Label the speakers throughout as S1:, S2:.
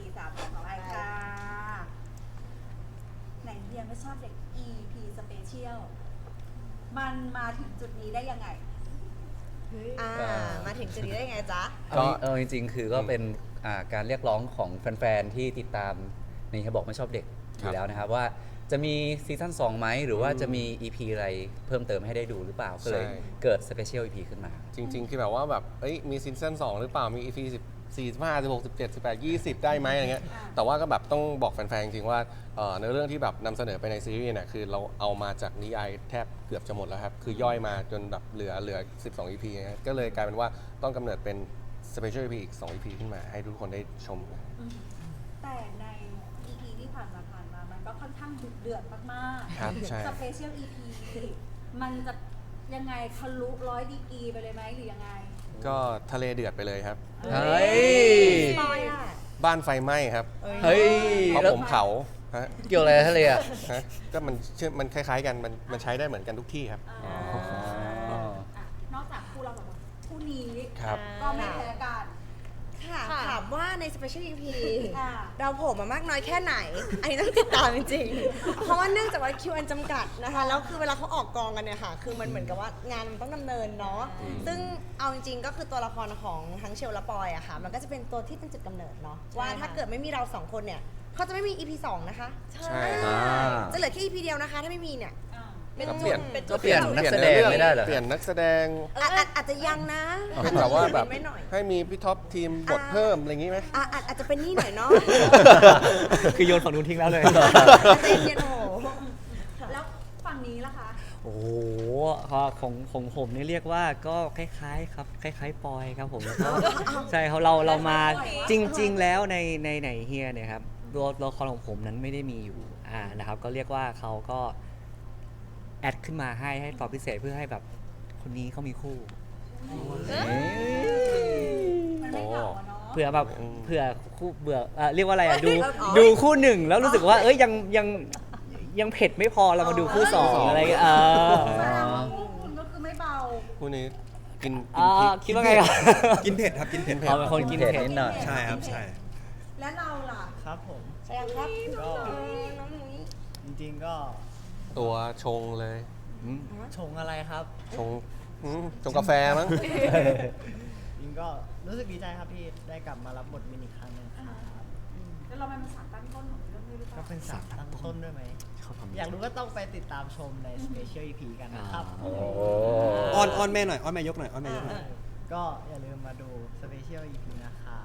S1: 3ของไอค่ะไหนเฮียไม่ชอบเด็ก EP Special มันมาถึงจุดนี้ได้ยังไง
S2: มาถึงจุดนี้ได้ไงจ๊ะ
S3: ก็จริงๆคือก็เป็นการเรียกร้องของแฟนๆที่ติดตามนี่เขาบอกไม่ชอบเด็กอยู่แล้วนะครับว่าจะมีซีซั่น2ไหมหรือว่าจะมี EP อะไรเพิ่มเติมให้ได้ดูหรือเปล่าก็เลยเกิดสเปเชียล EP ขึ้นมา
S4: จริงๆคือแบบว่าแบบมีซีซั่น2หรือเปล่ามี EP 14 15 16 17 18 20ได้ไหมอะไรเงี้ยแต่ว่าก็แบบต้องบอกแฟนๆจริงๆว่าในเรื่องที่แบบนำเสนอไปในซีรีส์เนี่ยคือเราเอามาจากนิยายแทบเกือบจะหมดแล้วครับคือย่อยมาจนแบบเหลือ12 EP นะก็เลยกลายเป็นว่าต้องกำเนิดเป็น Special EP อีก2 EP ขึ้นมาให้ทุกคนได้ชม
S1: แต่ใน EP ที่ผ่านมามันก็ค่อนข้างดุเดือดมากๆ
S4: ครับใช่
S1: Special EP มันจะยังไงทะลุ100 ดีกรีไปเลยไหมหรือยังไง
S4: ก็ทะเลเดือดไปเลยครับ
S3: เฮ้ย
S4: บ้านไฟไหม้ครับ
S3: เฮ้ย
S4: เพราะผมเผา
S3: เกี่ยวอะไรทะเลอ่ะ
S4: ก็มันคล้ายๆกันมันใช้ได้เหมือนกันทุกที่ครับ
S1: นอกจากคู่เราแบบคู่นี้
S4: ครับ
S1: ก็ไม่แพ้กัน
S2: ค่ะถามว่าใน Special EP เราโผล่มามากน้อยแค่ไหน อันนี้ต้องติดตามจริงๆ เพราะว่าเนื่องจากว่าคิวอันจำกัดนะคะแล้วคือเวลาเขาออกกองกันเนี่ยค่ะคือมันเหมือนกับว่างานมันต้องดำเนินเนาะซึ่งเอาจริงๆก็คือตัวละครของทั้งเชลและปอยอะค่ะมันก็จะเป็นตัวที่เป็นจุดกำเนิดเนาะว่าถ้าเกิดไม่มีเรา2คนเนี่ยเขาจะไม่มี EP 2นะคะ
S4: ใช่
S2: จะเหลือแค่ EP เดียวนะคะถ้าไม่มีเนี่ย
S3: ก็เปลี่ยนนักแสดงไม่ได้เหรอ
S4: เปลี่ยนนักแสดง
S2: อาจจะยังนะ
S4: แต่ว่าแบบให้มีพี่ท็อปทีมบทเพิ่มอะไรอย่างงี้ไหม
S2: อาจจะเป็นนี่หน่อยเนาะ
S3: คือโยนฝั่งนู้นทิ้งแล้วเลย
S2: ใจเย็นโห
S1: แล้วฝั่งนี้ล่ะคะ
S3: โอ้โหของผมนี่เรียกว่าก็คล้ายๆครับคล้ายๆปอยครับผมแล้วก็ใช่เรามาจริงๆแล้วในไหนเฮียเนี่ยครับตัวละครของผมนั้นไม่ได้มีอยู่นะครับก็เรียกว่าเขาก็แอดขึ้นมาให้ตอบพิเศษเพื่อให้แบบคนนี้เขามีคู่เผื่อแบบเผื่อคู่เบื่อเรียกว่าอะไรดูคู่หนึ่งแล้วรู้สึกว่ายังเผ็ดไม่พอเรามาดูคู่สองอะไร
S1: คุณก็คือไม่เบา
S4: คู่นี้กิน
S3: คิดว่าไงครับ
S5: กินเผ็ดครับกินเผ็ด
S3: เป็นคนกินเผ็ดนิดหน่อย
S5: ใช่ครับใช่
S1: และเราล่ะ
S6: ครับผม
S2: ใช่ครับ
S6: ก็จริงๆก็
S4: ตัวชงเลย
S6: ชงอะไรครับ
S4: ชงกาแฟมั้ง
S6: จริงก็รู้สึกดีใจครับที่ได้กลับมารับบทมินอีกครั้งนึงครับ
S1: แล้วเราเป็นสารตั้งต้นของเรื่องนี้หรือเปล่า
S6: ก็เป็นสารตั้งต้นด้วยไหมอยากรู้ก็ต้องไปติดตามชมใน Special EP กันนะครับ
S5: อ้อนแม่หน่อยอ้อนแม่ยกหน่อยอ้อนแม่ยกหน่อย
S6: ก็อย่าลืมมาดู Special EP นะครับ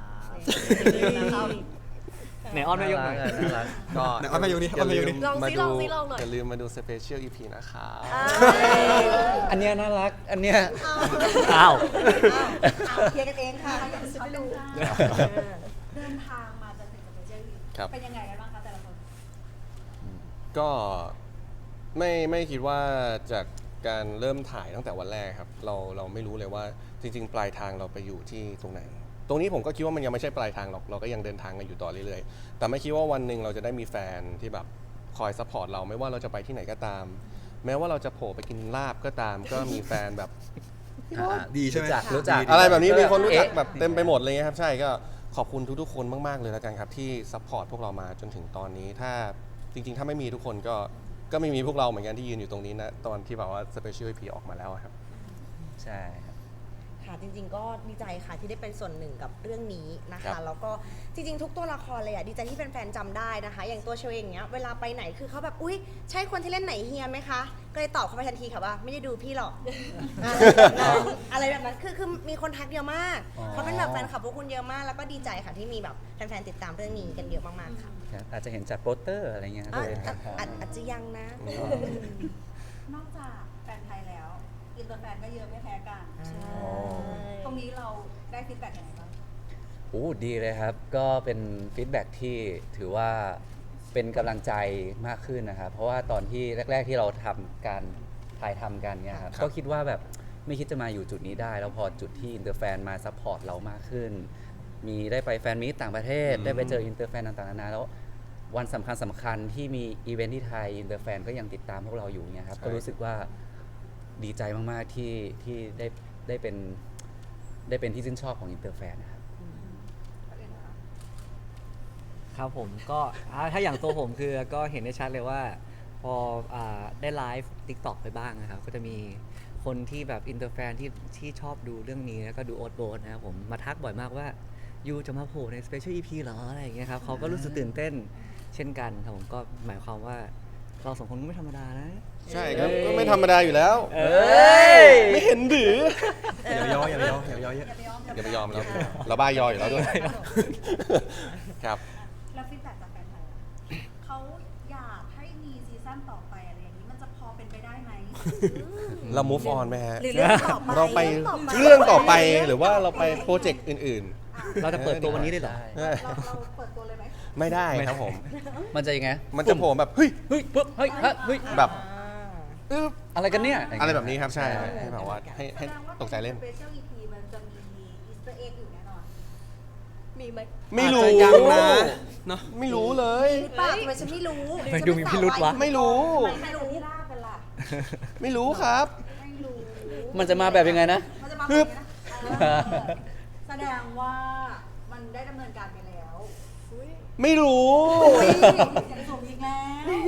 S3: ไหนอ้อนแม่ยกหน่อย
S4: ก็
S5: อ้อนแม่ยกนี่อ้อนแม่ยกนี่
S4: อย่าลืมมาดู Special EP นะครับ
S3: อันเนี้ยน่ารักอันเนี้ยอ้าว
S2: เคลียร์กันเองค่ะ
S1: เขาดูเดินทางมาจนถึงกับเจอเป็นยังไงกันบ้างคะแต่ละคน
S4: ก็ไม่คิดว่าจากการเริ่มถ่ายตั้งแต่วันแรกครับเราไม่รู้เลยว่าจริงๆปลายทางเราไปอยู่ที่ตรงไหนตรงนี้ผมก็คิดว่ามันยังไม่ใช่ปลายทางหรอกเราก็ยังเดินทางกันอยู่ต่อเรื่อยๆแต่ไม่คิดว่าวันหนึ่งเราจะได้มีแฟนที่แบบคอยซัพพอร์ตเราไม่ว่าเราจะไปที่ไหนก็ตามแม้ว่าเราจะโผล่ไปกินลาบก็ตามก็มีแฟนแบบ
S5: ดีใช่ไหม
S3: รู้จัก
S4: อะไรแบบนี้มีคนรู้จักแบบเต็มไปหมดเลยครับใช่ก็ขอบคุณทุกๆคนมากๆเลยแล้วกันครับที่ซัพพอร์ตพวกเรามาจนถึงตอนนี้ถ้าจริงๆถ้าไม่มีทุกคนก็ไม่มีพวกเราเหมือนกันที่ยืนอยู่ตรงนี้นะตอนที่แบบว่า Special EP ออกมาแล้วครับ
S3: ใช่
S2: ค่ะจริงๆก็ดีใจค่ะที่ได้เป็นส่วนหนึ่งกับเรื่องนี้นะคะแล้วก็จริงๆทุกตัวละครเลยอ่ะดีใจที่แฟนๆจำได้นะคะอย่างตัวเชลเองเนี้ยเวลาไปไหนคือเขาแบบอุ๊ยใช่คนที่เล่นไหนเฮียไหมคะก็เลยตอบเขาไปทันทีค่ะว่าไม่ได้ดูพี่หรอกอะไรแบบนั้นคือมีคนทักเยอะมากเขาเป็นแบบแฟนคลับพวกคุณเยอะมากแล้วก็ดีใจค่ะที่มีแบบแฟนๆติดตามเรื่องนี้กันเยอะมากๆค่ะ
S3: อาจจะเห็นจากโปสเตอร์อะไรเงี้ย
S2: อาจจะยังนะ
S1: นอกจากแฟนไทยแล้วอินเตอร์แฟนก็เยอะไม่แพ้กันตรงนี้เราได้ฟีดแบ็กยังไงบ้าง
S3: ดีเลยครับก็เป็นฟีดแบ็กที่ถือว่าเป็นกำลังใจมากขึ้นนะครับเพราะว่าตอนที่แรกๆที่เราทำการถ่ายทำกันเนี่ยครับก็คิดว่าแบบไม่คิดจะมาอยู่จุดนี้ได้แล้วพอจุดที่อินเตอร์แฟนมาซัพพอร์ตเรามากขึ้นมีได้ไปแฟนมีตต่างประเทศได้ไปเจออินเตอร์แฟนต่างๆนานาแล้ววันสำคัญที่มีอีเวนท์ที่ไทยอินเตอร์แฟนก็ยังติดตามพวกเราอยู่เนี่ยครับก็รู้สึกว่าดีใจมากๆที่ได้เป็นที่ชื่นชอบของอินเตอร์แฟนนะครับ
S7: ครับผมก็ถ้าอย่างตัวผมคือก็เห็นได้ชัดเลยว่า พอได้ไลฟ์ TikTok ไปบ้างนะครับ ก็จะมีคนที่แบบอินเตอร์แฟนที่ชอบดูเรื่องนี้แล้วก็ดูโอ๊ตโบสนะครับผมมาทักบ่อยมากว่ายูจะมาโผล่ใน Special EP เหรออะไรอย่างเงี้ยครับเขาก็รู้สึกตื่นเต้นเช่นกันครับผมก็หมายความว่าเราสองคนก็ไม่ธรรมดานะ
S4: ใช่ครับก็ไม่ธรรมดาอยู่แล้ว
S3: เอ้ย
S4: ไม่เห็นหรือ
S5: อย่าไปย่ออย่าไปย่ออย่าไปย่อเยอะ
S1: อย่าไปยอม
S4: อย่าไปยอมแล้วเราบ้ายออยู่แล้วด้วยครับ
S1: แล้วฟีดแบ็กจากแฟนไทยอะเขาอยากให้มีซีซั่นต่อไปอะไรอย่างนี้มันจะพอเป็นไปได้ไหม
S4: เรา move on ไหมฮะ
S2: หรือเรื่องต่อไป
S4: เราไปเรื่องต่อไปหรือว่าเราไปโปรเจกต์อื่น
S7: เราจะเปิดตัววันนี้ได้เหรอ
S4: ๆ
S1: เราเปิดตัวเลยไหม
S4: ไม่ได้ครับผม
S3: มันจะยังไง
S4: มันจะโผล่แบบเฮ้ย
S3: เฮ้ยปุ๊บเฮ้ยฮะเฮ้ย
S4: แบบ
S3: อึ๊บอะไรกันเนี่ย
S4: อะไรแบบนี้ครับใช่ให้แบบว่าให้ตกใจเล่น
S1: สเปเชียล EP มันจะมีอีสเตอร์เอ็กอยู่แน่นอน
S2: มีไหม
S4: ไม่รู้
S5: อาจจะยังนะเนาะ
S4: ไม่รู้เลย
S2: หรือเปล่าทำไมฉันไม่รู้
S7: ไปดูมีพิรุธวะ
S4: ไม่รู้
S1: ไม่รู้ล่ากันล่ะ
S4: ไม่รู้ครับ
S1: ไม่รู้
S3: มันจะมาแบบยังไงนะ
S1: มันจะมาแบบนี้นะแสดงว่ามันได้ดำเนินการไปแล้ว
S4: ไม่รู้
S1: จะส่งอีกแล้ว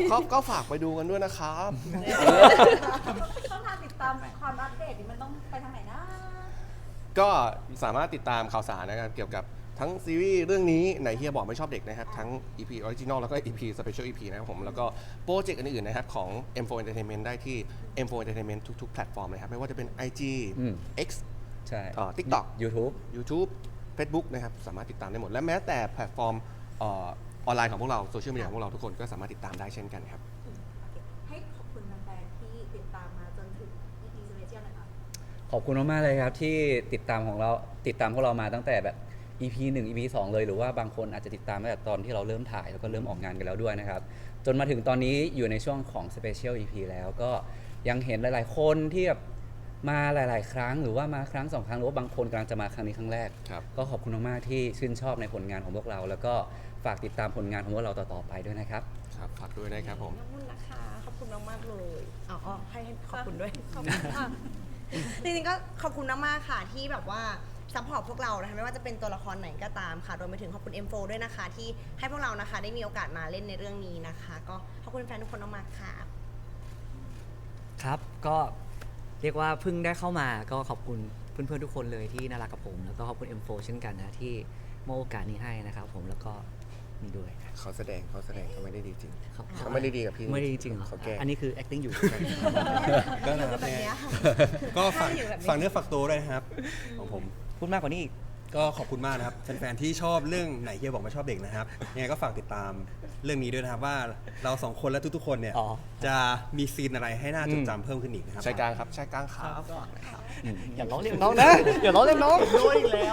S4: ก็ฝากไปดูกันด้วยนะครับ
S1: ช่องทางติดตามความอัปเดตนี่มันต้องไปทางไหนนะ
S4: ก็สามารถติดตามข่าวสารนะครับเกี่ยวกับทั้งซีรีส์เรื่องนี้ไหนเฮียบอกไม่ชอบเด็กนะครับทั้ง EP Original แล้วก็ EP Special EP นะครับผมแล้วก็โปรเจกต์อื่นๆนะครับของ M4 Entertainment ได้ที่ M4 Entertainment ทุกๆ แพลตฟอร์มเลยครับไม่ว่าจะเป็น IG
S3: อืม
S4: X
S3: ใช่
S4: TikTok
S3: YouTube
S4: YouTube Facebook นะครับสามารถติดตามได้หมด และแม้แต่แพลตฟอร์มออนไลน์ของพวกเราโซเชียลมีเดียของพวกเราทุกคนก็สามารถติดตามได้เช่นกันครับ
S1: ให้ขอบคุณแฟนๆที่ติดตามมาจนถึง EP Special นะคะ
S3: ขอบคุณมากๆเลยครับที่ติดตามพวกเรามาตั้งแต่แบบ EP 1 EP 2 เลยหรือว่าบางคนอาจจะติดตามตั้งแต่ตอนที่เราเริ่มถ่ายแล้วก็เริ่มออกงานกันแล้วด้วยนะครับจนมาถึงตอนนี้อยู่ในช่วงของ Special EP แล้วก็ยังเห็นหลายๆคนที่แบบมาหลายๆครั้งหรือว่ามาครั้ง2 ครั้งหรือว่าบางคนกำลังจะมาครั้งนี้ครั้งแรก
S4: ครับ
S3: ก็ขอบคุณมากๆที่ชื่นชอบในผลงานของพวกเรา แล้วก็ฝากติดตามผลงานของพวกเราต่อๆไปด้วยนะครับ
S4: ครับฝากด้วยนะครับผม
S2: ขอบคุณนะคะ ขอบคุณมากๆเลยอ๋อให้ขอบคุณด้วย ขอบคุณค่ะ จริงๆก็ขอบคุณมากๆค่ะที่แบบว่าซัพพอร์ตพวกเรานะคะไม่ว่าจะเป็นตัวละครไหนก็ตามค่ะรวมไปถึงขอบคุณ M4 ด้วยนะคะ ที่ให้พวกเรานะคะได้มีโอกาสมาเล่นในเรื่องนี้นะคะ ก็ขอบคุณแฟนทุกคนมากๆค่ะ
S7: ครับก็เรียกว่าเพิ่งได้เข้ามาก็ขอบคุณเพื่อนๆทุกคนเลยที่น่ารักกับผม แล้วก็ขอบคุณ M4 เช่นกันนะที่มอบโอกาสนี้ให้นะครับผมแล้วก็นี่ด้วย
S4: เขาแสดงเขาไม่ได้ดีจริง
S7: ครับ
S4: เขาไม่ได้ดีกับพี่
S7: ไม่ได้จริงๆเหรอ
S4: เขาแกล้ง
S7: อันนี้คือ acting อยู่
S5: ก็นะครับ
S2: แบบเนี้ย
S5: ก็ฝากเนื้อฝากตัวด้วยนะครับของผม
S7: พูดมากกว่านี้อีก
S5: ก็ขอบคุณมากนะครับแฟนๆที่ชอบเรื่องไหนเฮียบอกไม่ชอบเด็กนะครับยังไงก็ฝากติดตามเรื่องนี้ด้วยนะครับว่าเราสองคนและทุกๆคนเนี่ย
S7: อ๋อ
S5: จะมีซีนอะไรให้น่าจดจำเพิ่มขึ้นอีกนะครับ
S4: ใช้กลางครับใช้กลางครับ
S7: อย่าล้อเลียนน้องนะ อย่าล้อเลียนน้อง
S6: ด้วยอีกแล้ว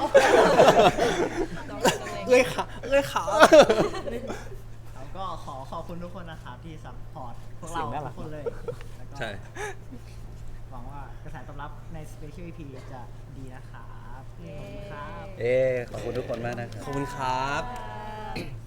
S5: เอ้ยขา
S6: แล้วก็ขอขอบคุณทุกคนนะครับที่ซัพพอร์ตพวกเราทุกคนเลยแล้วก็
S5: ใช่
S6: หวังว่ากระแสตอบรับใน Special EP จะดีนะครับขอบคุณครับ
S3: ขอบคุณทุกคนมากนะครับ
S5: ขอบคุณครับ